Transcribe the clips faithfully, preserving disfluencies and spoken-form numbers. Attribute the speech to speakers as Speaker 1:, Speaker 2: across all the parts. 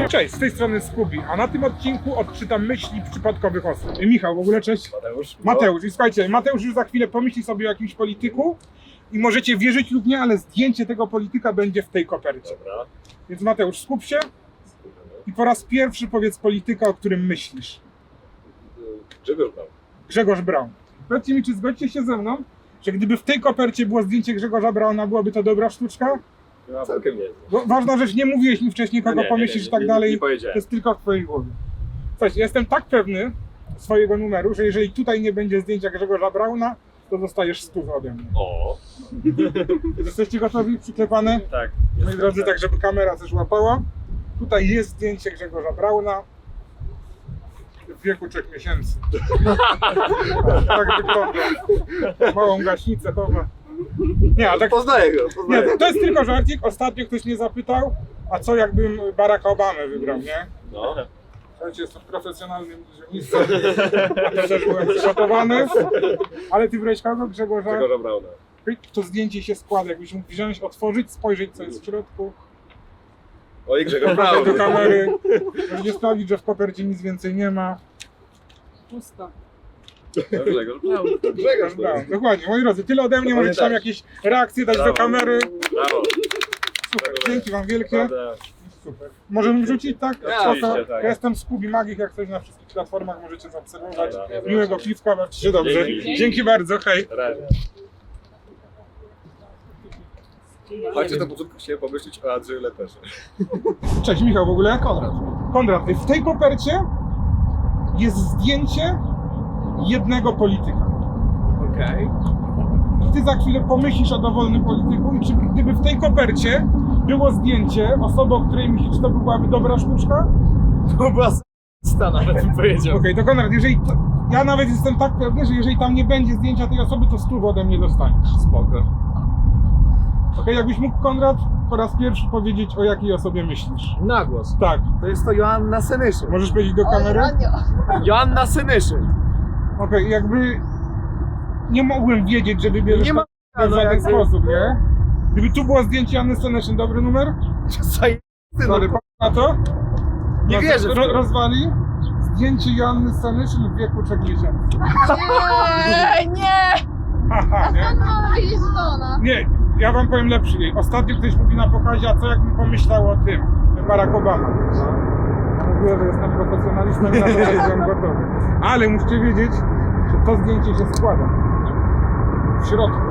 Speaker 1: Cześć, z tej strony Skubi, a na tym odcinku odczytam myśli przypadkowych osób. Michał, w ogóle cześć.
Speaker 2: Mateusz.
Speaker 1: Mateusz, i słuchajcie, Mateusz już za chwilę pomyśli sobie o jakimś polityku i możecie wierzyć lub nie, ale zdjęcie tego polityka będzie w tej kopercie.
Speaker 2: Dobra.
Speaker 1: Więc Mateusz, skup się i po raz pierwszy powiedz polityka, o którym myślisz.
Speaker 2: Grzegorz Braun.
Speaker 1: Grzegorz Braun. Powiedzcie mi, czy zgodzicie się ze mną, że gdyby w tej kopercie było zdjęcie Grzegorza Brauna, byłaby to dobra sztuczka?
Speaker 2: No, całkiem nie.
Speaker 1: Bo ważna rzecz, nie mówiłeś mi wcześniej, kogo
Speaker 2: No nie,
Speaker 1: pomyślisz
Speaker 2: nie,
Speaker 1: i tak
Speaker 2: nie,
Speaker 1: dalej.
Speaker 2: nie
Speaker 1: To
Speaker 2: powiedziałem.
Speaker 1: jest tylko w twojej głowie. Słuchajcie, jestem tak pewny swojego numeru, że jeżeli tutaj nie będzie zdjęcia Grzegorza Brauna, to dostajesz stówę ode mnie.
Speaker 2: O.
Speaker 1: Jesteście gotowi? Przyklepane?
Speaker 2: Tak.
Speaker 1: Moi drodzy, tak żeby kamera też łapała. Tutaj jest zdjęcie Grzegorza Brauna w wieku trzech miesięcy. Tak wygląda. Małą gaśnicę chowa. Nie, a tak,
Speaker 2: Poznaję go,
Speaker 1: nie,
Speaker 2: poznaję.
Speaker 1: to, to jest tylko żarcik. Ostatnio ktoś mnie zapytał, a co jakbym Baracka Obamę wybrał, nie?
Speaker 2: No.
Speaker 1: Słuchajcie, jestem profesjonalnym iluzjonistą, a to też byłem przygotowany. Ale ty wybrałeś kogo? Grzegorza?
Speaker 2: Grzegorza Brauna.
Speaker 1: To zdjęcie się składa, jakbyś mógł wziąć, otworzyć, spojrzeć co jest w środku.
Speaker 2: Oj, Grzegorz
Speaker 1: Pokazać
Speaker 2: Braun.
Speaker 1: do kamery, żeby sprawdzić, że w kopercie nic więcej nie ma. Pusta.
Speaker 2: No, Grzegorz Braun.
Speaker 1: Grzegorz Braun, dokładnie. Moi drodzy, tyle ode mnie, możecie tam jakieś reakcje dać do
Speaker 2: Brawo.
Speaker 1: kamery.
Speaker 2: Brawo.
Speaker 1: Super, dzięki wam wielkie.
Speaker 2: Prawda.
Speaker 1: Super. Możemy wrzucić, tak?
Speaker 2: Oczywiście,
Speaker 1: Spoko.
Speaker 2: tak.
Speaker 1: Ja jestem Skubi Magik, jak coś na wszystkich platformach możecie zaobserwować.
Speaker 2: Dobra.
Speaker 1: Miłego piwka, bawcie się dobrze.
Speaker 2: Dzięki.
Speaker 1: Dzięki bardzo, hej.
Speaker 2: Na razie. Chodźcie na początku chciałem pomyśleć o Andrzeju Leperze.
Speaker 1: Cześć Michał, w ogóle? Konrad. Konrad, w tej kopercie jest zdjęcie jednego polityka.
Speaker 2: Okej.
Speaker 1: I ty za chwilę pomyślisz o dowolnym polityku i czy gdyby w tej kopercie było zdjęcie osoby, o której myślisz, czy to byłaby dobra sztuczka?
Speaker 3: To była sta nawet bym powiedział.
Speaker 1: Okej, to Konrad, jeżeli to, ja nawet jestem tak pewny, że jeżeli tam nie będzie zdjęcia tej osoby, to stówę ode mnie dostaniesz.
Speaker 3: Spoko.
Speaker 1: Okej, jakbyś mógł, Konrad, po raz pierwszy powiedzieć, o jakiej osobie myślisz.
Speaker 3: Na głos.
Speaker 1: Tak,
Speaker 3: To jest to Joanna Senyszyn.
Speaker 1: możesz powiedzieć do kamery?
Speaker 3: Joanna Senyszyn.
Speaker 1: Okej, jakby nie mogłem wiedzieć, że wybierzesz
Speaker 3: Nie ma-
Speaker 1: to w
Speaker 3: no
Speaker 1: żaden
Speaker 3: jakby-
Speaker 1: sposób, nie? Gdyby tu było zdjęcie Anny Senyszyn, dobry numer?
Speaker 3: Zajebisty,
Speaker 1: Sorry,
Speaker 3: no.
Speaker 1: na to?
Speaker 3: Nie
Speaker 1: Roz-
Speaker 3: wierzę w
Speaker 1: ro-
Speaker 3: to.
Speaker 1: Rozwali zdjęcie Joanny Senyszyn w wieku trzech miesięcy.
Speaker 4: Nie, nie!
Speaker 1: Haha, nie?
Speaker 4: Skąd mam wiedzieć, że to ona?
Speaker 1: Nie, ja wam powiem lepszy. Ostatnio ktoś mówi na pokazie, a co jakbym pomyślał o tym, Barack Obama. Ja mówię, że jestem profesjonalistą i na to byłem gotowy. Ale musicie wiedzieć, że to zdjęcie się składa. W środku.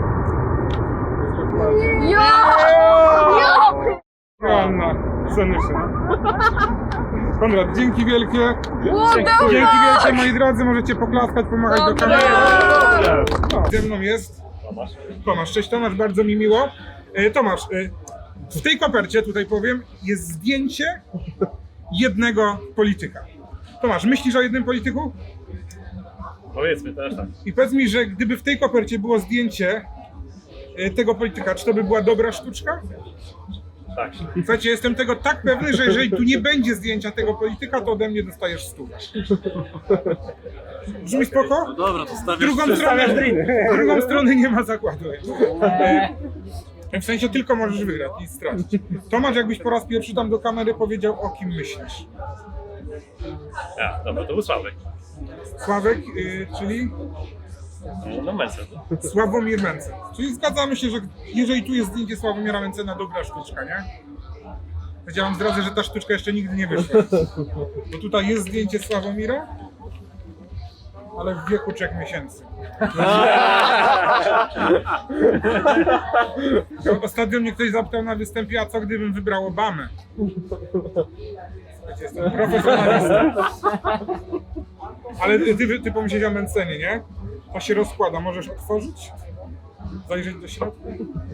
Speaker 4: Ja! Ja!
Speaker 1: Joanna Senyszyn. Konrad, dzięki wielkie.
Speaker 4: What the
Speaker 1: Dzięki
Speaker 4: fuck?
Speaker 1: wielkie, moi drodzy, możecie poklaskać, pomachać do
Speaker 4: Dobra.
Speaker 1: kamery.
Speaker 2: Dobra.
Speaker 1: No, ze mną jest
Speaker 2: Tomasz.
Speaker 1: Tomasz. Cześć Tomasz, bardzo mi miło. E, Tomasz, e, w tej kopercie, tutaj powiem, jest zdjęcie jednego polityka. Tomasz, myślisz o jednym polityku?
Speaker 2: Powiedzmy też tak.
Speaker 1: I powiedz mi, że gdyby w tej kopercie było zdjęcie e, tego polityka, czy to by była dobra sztuczka?
Speaker 2: Tak.
Speaker 1: Słuchajcie, jestem tego tak pewny, że jeżeli tu nie będzie zdjęcia tego polityka, to ode mnie dostajesz stówę. Brzmi spoko?
Speaker 2: Dobra, to stawiasz.
Speaker 1: Drugą stronę, drugą stronę nie ma zakładu. E, W sensie tylko możesz wygrać i stracić. Tomasz, jakbyś po raz pierwszy tam do kamery powiedział, o kim myślisz.
Speaker 2: Ja, dobra, to był Sławek.
Speaker 1: Sławek, y, czyli
Speaker 2: No Mencen.
Speaker 1: Sławomir Mencen. Czyli zgadzamy się, że jeżeli tu jest zdjęcie Sławomira Mencena, dobra sztuczka, nie? Ja wam zdradzę, że ta sztuczka jeszcze nigdy nie wyszła. Bo tutaj jest zdjęcie Sławomira, ale w wieku trzech miesięcy. Ostatnio mnie ktoś zapytał na występie, a co gdybym wybrał Obamę? Słuchajcie, jestem profesjonalistą. Ale ty, ty pomyślałeś o Mencenie, nie? To się rozkłada, możesz otworzyć? Zajrzeć do środka?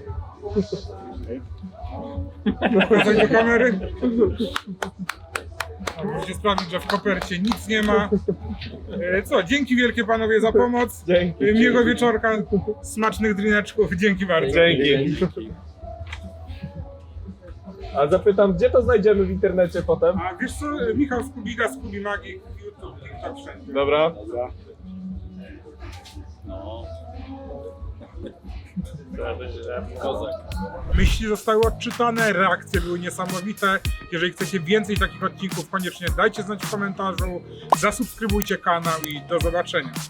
Speaker 1: Pokazać do kamery? Musicie sprawdzić, że w kopercie nic nie ma. E, Co, dzięki wielkie panowie za pomoc.
Speaker 3: Dzięki.
Speaker 1: E, Miłego wieczorka, smacznych drineczków. Dzięki bardzo.
Speaker 3: Dzięki. A zapytam, gdzie to znajdziemy w internecie potem?
Speaker 1: A wiesz co, Michał Skubiga, Skubi Magik, YouTube, TikTok, wszędzie.
Speaker 3: Dobra.
Speaker 2: No.
Speaker 3: Kozak.
Speaker 1: Myśli zostały odczytane, reakcje były niesamowite. Jeżeli chcecie więcej takich odcinków, koniecznie dajcie znać w komentarzu, zasubskrybujcie kanał i do zobaczenia.